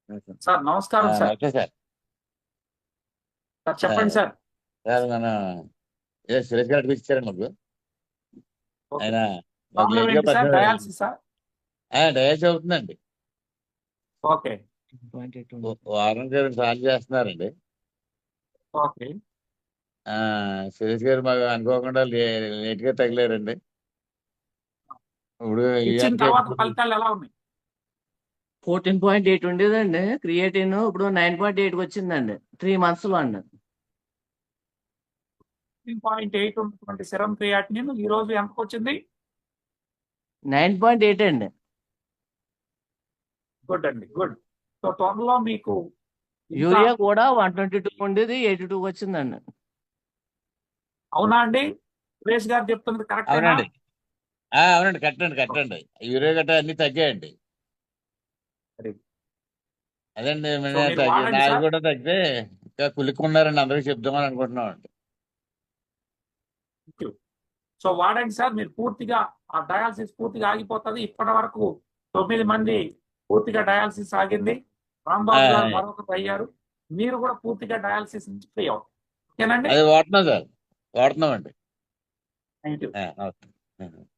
Sir నమస్కారం sir. Okay sir. Sir చెప్పండి sir. Sir మన సురేష్ గారు ఇచ్చారండి మాకు. ఓకే. ఆయన మాకు ప్రాబ్లం లేట్ గా ఏంటి సార్? Dialysis sir? డయాలసిస్ అవుతుందండి. ఓకే. వారానికి 2 సార్లు చేస్తున్నారండి. ఓకే. సురేష్ గారు మాకు అనుకోకుండా లేట్ గా తగిలారండి. ఇప్పుడు ఇచ్చిన తర్వాత ఫలితాలు ఎలా ఉన్నాయి? 14.8 ఉండేదండి క్రియేటిన్, ఇప్పుడు 9.8 వచ్చిందండి 3 months లో అండి. 15.8 ఉన్నటువంటి సెరం క్రియాటినిన్ ఈ రోజు ఎంతకు వచ్చింది? 9.8 అండి. గుడ్ అండి, గుడ్. సో త్వరలో మీకు యూరియా కూడా 122 ఉండేది 82 వచ్చిందండి. అవునా అండి? సురేష్ గారు చెప్తున్నది కరెక్ట్? అవునండి. అవునండి, కట్టండి. యూరియా గట్ట అన్ని తగ్గాయండి. అదండి నాది కూడా తగ్గితే ఇంకా కులుక్కున్నారండి, అందరికి చెప్దామని అనుకుంటున్నామండి. సో వాడండి సార్. మీరు పూర్తిగా ఆ డయాలసిస్ పూర్తిగా ఆగిపోతుంది. ఇప్పటి వరకు 9 మంది పూర్తిగా డయాలసిస్ ఆగింది. రాంబాబు గారు మరొకరు అయ్యారు. మీరు కూడా పూర్తిగా డయాలసిస్ నుంచి ఫ్రీ అవుతారు. ఓకేనండి? అది వాడుతున్నాం సార్, వాడుతున్నామండి. Thank you.